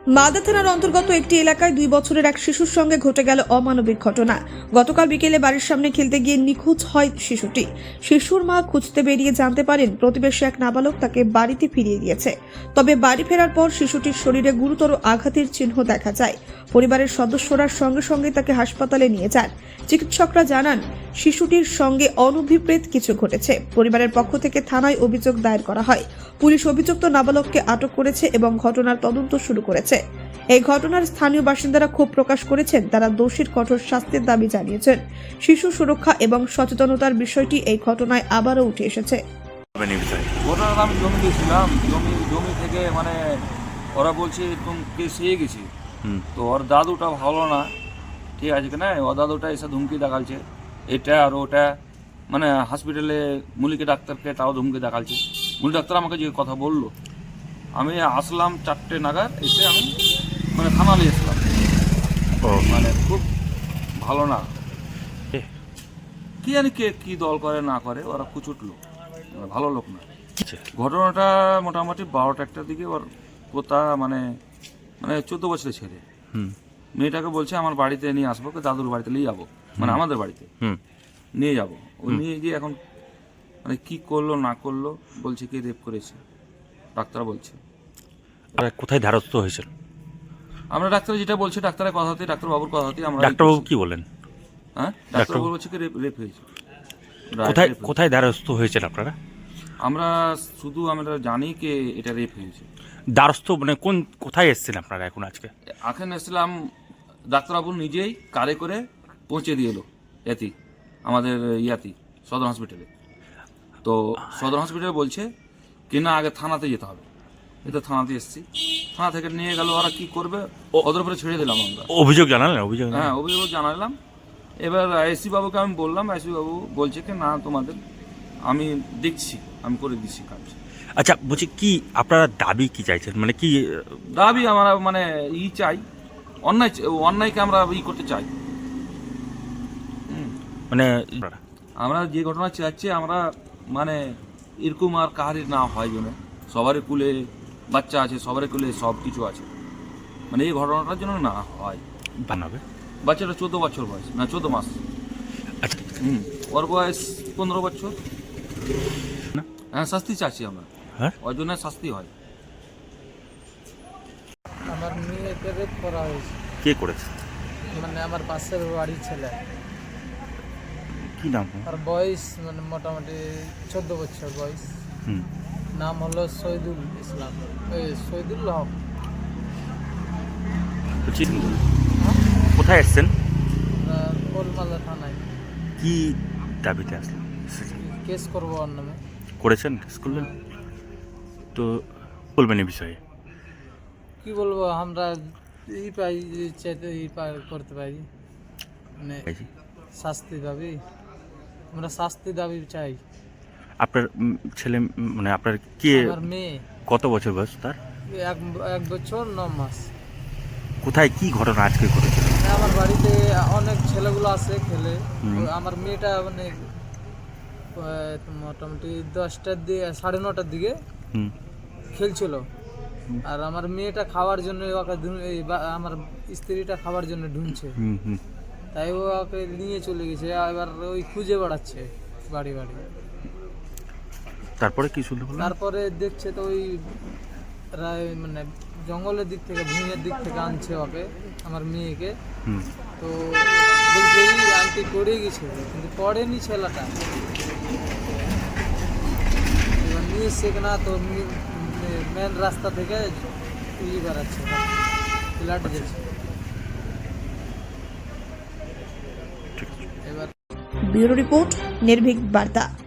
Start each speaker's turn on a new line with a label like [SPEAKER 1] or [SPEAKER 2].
[SPEAKER 1] মালদা থানার অন্তর্গত একটি এলাকায় 2 বছরের এক শিশুর সঙ্গে ঘটে গেল অমানবিক ঘটনা। গতকাল বিকেলে বাড়ির সামনে খেলতে গিয়ে নিখোঁজ হয় শিশুটি। শিশুর মা খুঁজতে বেরিয়ে জানতে পারেন প্রতিবেশী এক নাবালক তাকে বাড়িতে ফিরিয়ে দিয়েছে। তবে বাড়ি ফেরার পর শিশুটির শরীরে গুরুতর আঘাতের চিহ্ন দেখা যায়। পরিবারের সদস্যরা সঙ্গে সঙ্গে তাকে হাসপাতালে নিয়ে যান। চিকিৎসকরা জানান শিশুটির সঙ্গে অনভিপ্রেত কিছু ঘটেছে। পরিবারের পক্ষ থেকে থানায় অভিযোগ দায়ের করা হয়। পুলিশ অভিযুক্ত নাবালককে আটক করেছে এবং ঘটনার তদন্ত শুরু করেছে। এই ঘটনার স্থানীয় বাসিন্দারা ক্ষোভ প্রকাশ করেছেন। তারা দোষীর কঠোর শাস্তির দাবি জানিয়েছেন। শিশু সুরক্ষা এবং সচেতনতার বিষয়টি এই ঘটনায় আবারও উঠে এসেছে।
[SPEAKER 2] ঘটনাটা আমি জমি গেছিলাম, জমি থেকে মানে ওরা বলছে তুমি কেস হয়ে গেছি। তো ওর দাদুটা ভালো না, ঠিক আছে কিনা, ওর দাদুটা এসে ধুমকি দেখালছে এটা আর ওটা, মানে হসপিটালে মুলিকে ডাক্তারকে তাও ধুমকি দেখালছে। মুলি ডাক্তার আমাকে যে কথা বললো, আমি আসলাম 4টে নাগাদ, এসে আমি মানে থানালে এসলাম। মানে খুব ভালো না, কি জানি কে কি দল করে না করে, ওরা কুচুট লোক, ভালো লোক না। ঘটনাটা মোটামুটি 12টা দিকে ওর পোতা মানে 14 বছরের ছেলে মেয়েটাকে বলছে আমার বাড়িতে নিয়ে আসবো, দাদুর বাড়িতে নিয়ে যাবো, মানে আমাদের বাড়িতে নিয়ে যাবো। ও নিয়ে গিয়ে এখন মানে কি করলো না করলো বলছে কি রেপ করেছে, ডাক্তার বলছে।
[SPEAKER 3] কোথায় ধারস্থ হয়েছিল?
[SPEAKER 2] আমরা ডাক্তার যেটা বলছে, ডাক্তারের কথাতে, ডাক্তারবাবুর কথাতে আমরা।
[SPEAKER 3] ডাক্তারবাবু কি বলেন?
[SPEAKER 2] হ্যাঁ, ডাক্তারবাবু বলছে কি রেপ হয়েছে।
[SPEAKER 3] কোথায় ধারস্থ হয়েছিল আপনারা?
[SPEAKER 2] আমরা জানি কি এটা রেপ হয়েছে।
[SPEAKER 3] দ্বারস্থ মানে কোথায় এসেছেন আপনারা এখন আজকে?
[SPEAKER 2] এখন এসেছিলাম, ডাক্তারবাবু নিজেই কারে করে পৌঁছে দিয়ে এলো আমাদের সদর হসপিটালে। তো সদর হসপিটালে বলছে কি না আগে থানাতে যেতে হবে। এই তো থানাতে এসেছি, থানা থেকে নিয়ে গেল, ওরা কি করবে ওদের উপরে ছেড়ে দিলাম আমরা।
[SPEAKER 3] অভিযোগ জানালেন?
[SPEAKER 2] হ্যাঁ, অভিযোগ জানালাম। এবার আইসি বাবুকে আমি বললাম, আইসি বাবু বলছে কি না তোমাদের আমি দেখছি, আমি করে দিচ্ছি কাজ।
[SPEAKER 3] আচ্ছা, বলছি কি আপনারা দাবি কি চাইছেন, মানে কি
[SPEAKER 2] দাবি? আমরা মানে চাই, অন্যায়কে আমরা করতে চাই।
[SPEAKER 3] মানে
[SPEAKER 2] আমরা যে ঘটনা চাচ্ছি, আমরা মানে এরকম আর কাহারি না হয় যেন, সবারই কুলে বাচ্চা আছে, সবারই কুলে সব কিছু আছে, মানে এই ঘটনাটার জন্য না হয়।
[SPEAKER 3] বানাবে
[SPEAKER 2] বাচ্চাটা 14 বছর বয়স, না 14 মাস।
[SPEAKER 3] আচ্ছা,
[SPEAKER 2] ওর বয়স 15 বছর। হ্যাঁ, শাস্তি চাচ্ছি আমরা,
[SPEAKER 3] হ্যাঁ,
[SPEAKER 2] ওর জন্য শাস্তি হয়।
[SPEAKER 4] আমার মেয়েকে রেপ করা হয়েছে।
[SPEAKER 3] কে করেছে?
[SPEAKER 4] মানে আমার পাশের বাড়ির ছেলে।
[SPEAKER 3] কি নাম?
[SPEAKER 4] আর বয়স মানে মোটামুটি 14 বছর বয়স। নাম হলো শহীদুল ইসলাম, শহীদুল হক।
[SPEAKER 3] কোথায় এসছেন?
[SPEAKER 4] কোলমালা থানায়।
[SPEAKER 3] কি দাবিতে আসলেন?
[SPEAKER 4] কেস করবো ওর নামে।
[SPEAKER 3] করেছেন? কেস করলেন? তো বলবেন এই বিষয়ে?
[SPEAKER 4] কি বলবো, আমরা চাইতে করতে পারি, মানে শাস্তি দাবি, আমরা শাস্তি দাবি চাই।
[SPEAKER 3] আপনার ছেলে মানে আপনার কি?
[SPEAKER 4] আমার মেয়ে।
[SPEAKER 3] কত বছর বয়স তার?
[SPEAKER 4] 1 বছর 9 মাস।
[SPEAKER 3] কোথায় কি ঘটনা আজকে ঘটেছে?
[SPEAKER 4] আমার বাড়িতে অনেক ছেলেগুলো আছে খেলে। আমার মেয়েটা মানে মোটামুটি 10টার দিকে, 9:30টার দিকে খেলছিল। আর আমার মেয়েটা খাওয়ার জন্য আমার স্ত্রীটা খাওয়ার জন্য ঢুঁড়ছে, তাই ও ওকে নিয়ে চলে গেছে। এবার ওই খুঁজে বেড়াচ্ছে বাড়ি বাড়ি।
[SPEAKER 3] তারপরে কি শুনতে?
[SPEAKER 4] তারপরে দেখছে তো ওই মানে জঙ্গলের দিক থেকে, ভূমির দিক থেকে আনছে ওকে, আমার মেয়েকে। তো বলছে এই আন্টি পড়ে গেছে, কিন্তু পড়েনি ছেলেটা। এবার নিয়ে এসছে কিনা, তো মেন রাস্তা থেকে বেড়াচ্ছে, ফ্ল্যাটে যাচ্ছে।
[SPEAKER 1] ব্যুরো রিপোর্ট, নির্ভীক বার্তা।